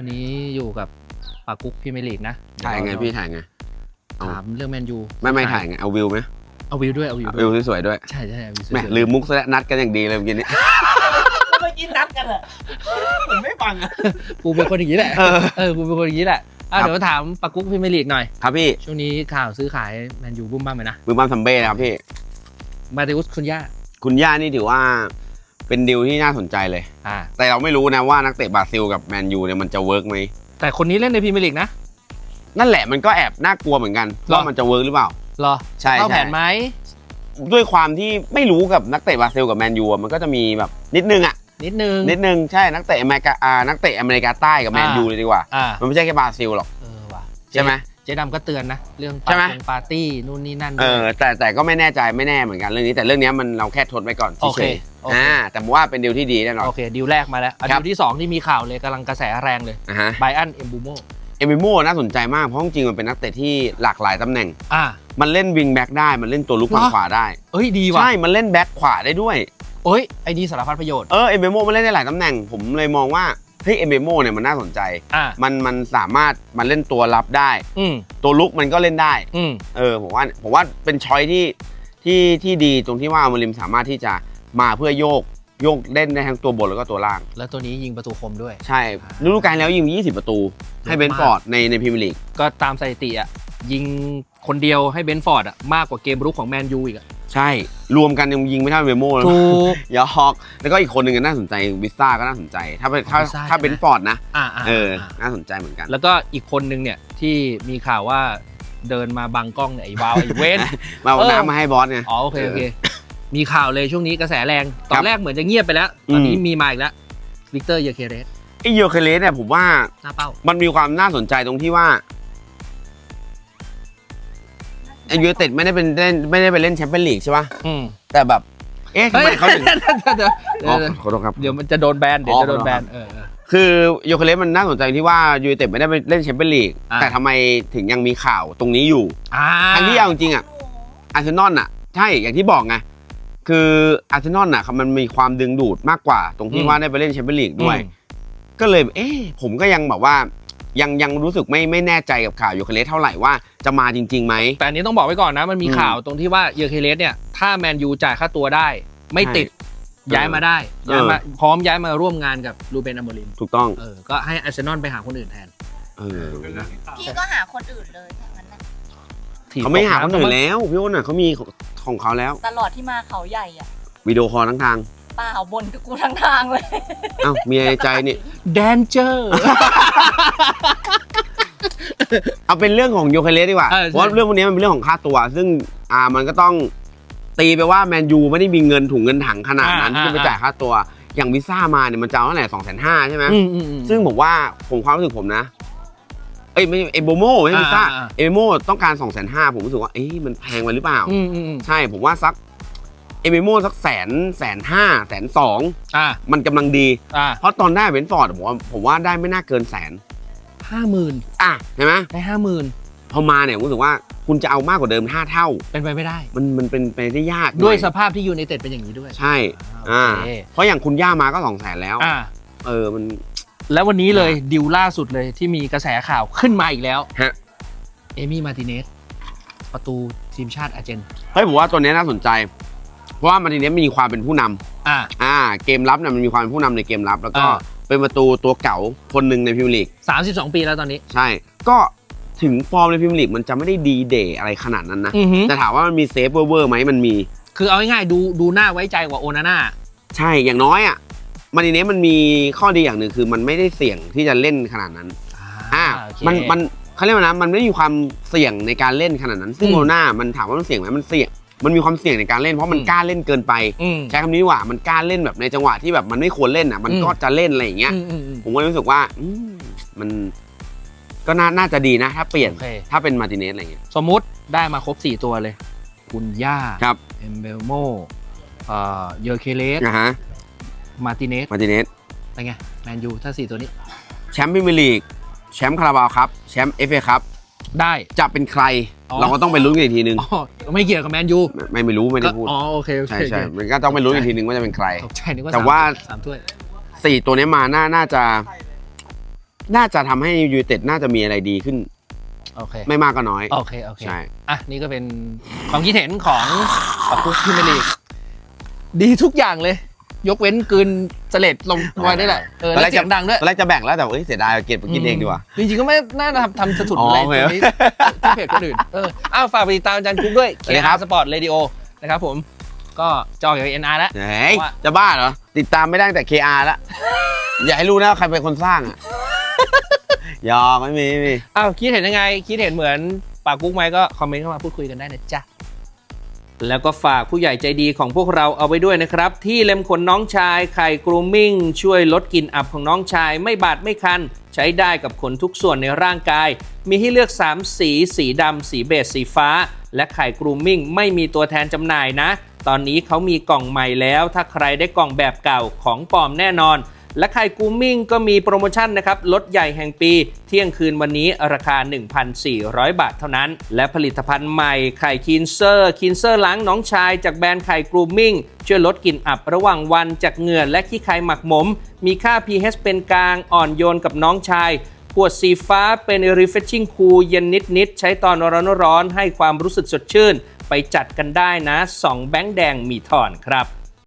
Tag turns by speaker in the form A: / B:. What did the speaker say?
A: วันนี้อยู่กับปากุ๊กพี่เมลีกนะ
B: ถ่ายไงพี่ถ่ายไง
A: ถามเรื่องแมนยู
B: ไม่ถ่ายไงเอาวิวไหม
A: เอาวิวด้วยเอาวิว
B: สวยด้วย
A: ใช่เอาวิวสวย
B: แหมลืมมุกซะแล้วนัดกันอย่างดีเลยเมื่อกี้นี้
C: เมื่อกี้นัดกันอะผมไม่ฟังอะ
A: กูเป็นคนอย่างนี้แหละกูเป็นคนอย่างนี้แหละเดี๋ยวถามปากุ๊กพี่เมลีกหน่อย
B: ครับพี่
A: ช่วงนี้ข่าวซื้อขายแมนยูบุ้มบ้ามไหมนะ
B: บุ้มบ้ามซัมเบ้ครับพี่
A: มาติอุสคุณ
B: ย่านี่ถือว่าเป็นดีลที่น่าสนใจเลยแต่เราไม่รู้นะว่านักเตะบราซิลกับแมนยูเนี่ยมันจะเวิร์กไหม
A: แต่คนนี้เล่นในพรีเมียร์ลีกนะ
B: นั่นแหละมันก็แอบน่ากลัวเหมือนกันว่ามันจะเวิร์กหรือเปล่า
A: หรอ
B: ใช่
A: เข้าแผนไหม
B: ด้วยความที่ไม่รู้กับนักเตะบราซิลกับแมนยูมันก็จะมีแบบนิดนึงใช่นักเตะอเมริกาใต้กับแมนยูเลยดีกว่ามันไม่ใช่แค่บราซิลหรอกใช่ไหม
A: เจ๊ดำก็เตือนนะเรื่องปาร์ตี้นู่นนี่นั่น
B: แต่ก็ไม่แน่ใจไม่แน่เหมือนกันเรื่องนี้แต่เรื่องนี้มันเราแค่ทดไว้ก่อนเฉยแต่ผมว่าเป็นดีลที่ดีแน่นอน
A: โอเคดีลแรกมาแล้วดีลที่2ที่มีข่าวเลยกำลังกระแสแรงเลยไบอันเอมบูโม
B: น่าสนใจมากเพราะจริงๆมันเป็นนักเตะที่หลากหลายตำแหน่งมันเล่นวิงแบ็กได้มันเล่นตัวลุกฝั่งขวาได้
A: ดีว่ะ
B: ใช่มันเล่นแบ็กขวาได้ด้วย
A: ไอ้นี่สารพัดประโยชน์
B: เอมบูโมมันเล่นได้หลายตำแหน่งผมเลยมองว่าเฮ้ยเอมบูโมเนี่ยมันน่าสนใจมันสามารถมันเล่นตัวรับได้ตัวลุกมันก็เล่นได้ผมว่าเป็นช้อยที่ดีตรงที่ว่าอมริมสามารถที่จะมาเพื่อโยกเล่นได้ทั้งตัวบนแล้วก็ตัวล่าง
A: แล้วตัวนี้ยิงประตูคมด้วย
B: ใช่ฤดูกาลแล้วยิง20ประตูให้เบนฟอร์ดในพรีเมียร์ลีก
A: ก็ตามสถิติยิงคนเดียวให้เบนฟอร์ดมากกว่าเกมรุกของแมนยูอีก
B: ใช่รวมกันยังยิงไม่เท่าเบโม่เลย
A: ถูก
B: ยาฮอกแล้วก็อีกคนหนึ่งน่าสนใจวิซ่าก็น่าสนใจถ้าเบนฟอร์ดนะน่าสนใจเหมือนกัน
A: แล้วก็อีกคนนึงเนี่ยที่มีข่าวว่าเดินมาบังกล้องเนี่ยไอ้วาวไอ้เว้น
B: มาเอาน้ำมาให้บอสไง
A: โอเคมีข่าวเลยช่วงนี้กระแสแรงตอนแรกเหมือนจะเงียบไปแล้วตอนนี้มีมาอีกแล้ววิกเตอร์เยเคเรส
B: เนี่ยผมว่ามันมีความน่าสนใจตรงที่ว่ายูไนเต็ดไม่ได้ไปเล่นแชมเปี้ยนลีกใช่ป่ะแต่แบบทำไมเขาถึงขอโทษครับ
A: เดี๋ยวมันจะโดนแบน
B: คือโยเคเลสมันน่าสนใจที่ว่ายูไนเต็ดไม่ได้ไปเล่นแชมเปี้ยนลีกแต่ทำไมถึงยังมีข่าวตรงนี้อยู่ทั้งที่เอาจริงอาร์เซนอลใช่อย่างที่บอกไงคืออาร์เซนอลมันมีความดึงดูดมากกว่าตรงที่ว่าได้ไปเล่นแชมเปี้ยนลีกด้วยก็เลยผมก็ยังแบบว่ายังรู้สึกไม่แน่ใจกับข่าวยูเคเลสเท่าไหร่ว่าจะมาจริงๆไหม
A: แต่อันนี้ต้องบอกไว้ก่อนนะมันมีข่าวตรงที่ว่ายูเคเลสเนี่ยถ้าแมนยูจ่ายค่าตัวได้ไม่ติดย้ายมาได้พร้อมย้ายมาร่วมงานกับรูเบน อโมริม
B: ถูกต้อง
A: ก็ให้อาร์เซนอลไปหาคนอื่นแทน
D: พี่ก็หาคนอื่นเลยทั้งนั้น
B: เขาไม่หาคนอื่นแล้วพี่อ้นเขามีของเขาแล้ว
D: ตลอดที่มาเขาใหญ่
B: วิดีโอคอลทั้งทาง
D: เปล่าบนกับกูทั้งทางเลย
B: มีในใจนี่
A: แดนเจอร์
B: เอาเป็นเรื่องของโยเคเลสดีกว่าเพราะเรื่องพวกนี้มันเป็นเรื่องของค่าตัวซึ่งมันก็ต้องตีไปว่าแมนยูไม่ได้มีเงินถุงเงินถังขนาดนั้นที่ไปจ่ายค่าตัวอย่างวิซ่ามาเนี่ยมันจะเอาเท่าไหร่250,000ใช่ไหมซึ่งผมว่าความรู้สึกผมนะไม่เอโบโม่ไม่วิซ่าเอโบโม่ต้องการ250,000ผมรู้สึกว่ามันแพงไปหรือเปล่าใช่ผมว่าสักเอเมโม่สัก150,000 120,000มันกำลังดีเพราะตอนได้เบนฟอร์ดผมว่าได้ไม่น่าเกิน150,000เห็นไหม
A: ได้50,000
B: พอมาเนี่ยผมรู้สึกว่าคุณจะเอามากกว่าเดิม5 เท่า
A: เป็นไปไม่ได้
B: มันเป็นไปได้ยาก
A: ด้วยสภาพที่ยูไนเต็ดเป็นอย่างนี้ด้วย
B: ใช่เพราะอย่างคุณย่ามาก็200,000แล้วมัน
A: แล้ววันนี้เลยดิวล่าสุดเลยที่มีกระแสข่าวขึ้นมาอีกแล้วเอมี่มาร์ติเนสประตูทีมชาติอาร์เจน
B: ผมว่าตัวนี้น่าสนใจเพราะว่ามาร์ติเนสมีความเป็นผู้นำเกมรับมันมีความเป็นผู้นำในเกมรับแล้วก็เป็นประตูตัวเก่าคนหนึ่งในพรีเมียร์ลีก
A: 32 ปีแล้วตอนนี้
B: ใช่ก็ถึงฟอร์มในพรีเมียร์ลีกมันจะไม่ได้ดีเดย์อะไรขนาดนั้นนะแต่ถามว่ามันมีเซฟเวอร์ไหมมันมี
A: คือเอาง่ายๆดูน่าไว้ใจกว่าโอนาน่า
B: ใช่อย่างน้อยมาร์ติเนสมันมีข้อดีอย่างหนึ่งคือมันไม่ได้เสี่ยงที่จะเล่นขนาดนั้นมันเขาเรียกว่านะมันไม่มีความเสี่ยงในการเล่นขนาดนั้นซึ่งโอนาน่ามันถามว่ามันเสี่ยงไหมมันเสี่ยงมันมีความเสี่ยงในการเล่นเพราะมันกล้าเล่นเกินไปใช้คำนี้ว่ามันกล้าเล่นแบบในจังหวะที่แบบมันไม่ควรเล่นมันก็จะเล่นอะไรอย่างเงี้ยผมก็รู้สึกว่ามันก็น่าจะดีนะถ้าเปลี่ยนถ้าเป็นมาร์ติเนสอะไรเงี้ย
A: สมมุติได้มาครบ4ตัวเลยคุณย่าเอมเบลโมเยอเคเลสมาร์ติเนสเป็นไงแมนยูถ้า4ตัวนี้
B: แชมป์พรีเมียร์ลีกแชมป์คาราบาวครับแชมป์FAครับ
A: ได้
B: จะเป็นใครเราก็ต้องไปลุ้นกันอีกทีนึง
A: ไม่เกี่ยวกับแมนยู
B: ไม่รู้ไม่ได้พูด
A: โอเค
B: ใช่มันก็ต้องไปลุ้นอีกทีนึงว่าจะเป็นใคร
A: แต่
B: ว่า
A: 3 ถ้วย
B: 4ตัวนี้มาน่าจะน่าจะทำให้ยูไนเต็ดน่าจะมีอะไรดีขึ้น
A: โอเค
B: ไม่มากก็น้อย
A: โอเค
B: ใช่
A: อ่ะนี่ก็เป็นความคิดเห็นของปากุ๊กพรีเมียร์ลีกดีทุกอย่างเลย ยกเว้นกลืนเสลดลงไว้ได้แหละแล้วเสียงดังด้วย
B: ตอนแรกจะแบ่งแล้วแต่เสียดายเก็บไปกินเองดีกว่า
A: จริงๆก็ไม่น่าทำสะทุนอะไรตรงนี้ที่เพจคนอื่นฝากไปติดตามอาจารย์กุ๊กด้วย KR Sport Radio นะครับผมก็จอกับ NR แล้ว
B: จะบ้าเหรอติดตามไม่ได้แต่ KR แล้วอย่าให้รู้นะใครเป็นคนสร้างอ่ะยอมไม่มี
A: คิดเห็นยังไงคิดเห็นเหมือนปากุ๊กไหมก็คอมเมนต์เข้ามาพูดคุยกันได้นะจ๊ะแล้วก็ฝากผู้ใหญ่ใจดีของพวกเราเอาไว้ด้วยนะครับที่เล็มขนน้องชายไข่กรูมมิ่งช่วยลดกลิ่นอับของน้องชายไม่บาดไม่คันใช้ได้กับขนทุกส่วนในร่างกายมีให้เลือก3สีสีดำสีเบจสีฟ้าและไข่กรูมมิ่งไม่มีตัวแทนจำหน่ายนะตอนนี้เขามีกล่องใหม่แล้วถ้าใครได้กล่องแบบเก่าของปลอมแน่นอนและไข่กรูมมิ่งก็มีโปรโมชั่นนะครับลดใหญ่แห่งปีเที่ยงคืนวันนี้ราคา 1,400 บาทเท่านั้นและผลิตภัณฑ์ใหม่ไข่คินเซอร์ล้างน้องชายจากแบรนด์ไข่กรูมมิ่งช่วยลดกลิ่นอับระหว่างวันจากเหงื่อและขี้ไข่หมักหมมมีค่า pH เป็นกลางอ่อนโยนกับน้องชายขวดสีฟ้าเป็น refreshing cool เย็นนิดใช้ตอนร้อนให้ความรู้สึกสดชื่นไปจัดกันได้นะ2แบงค์แดงมีถอนครับ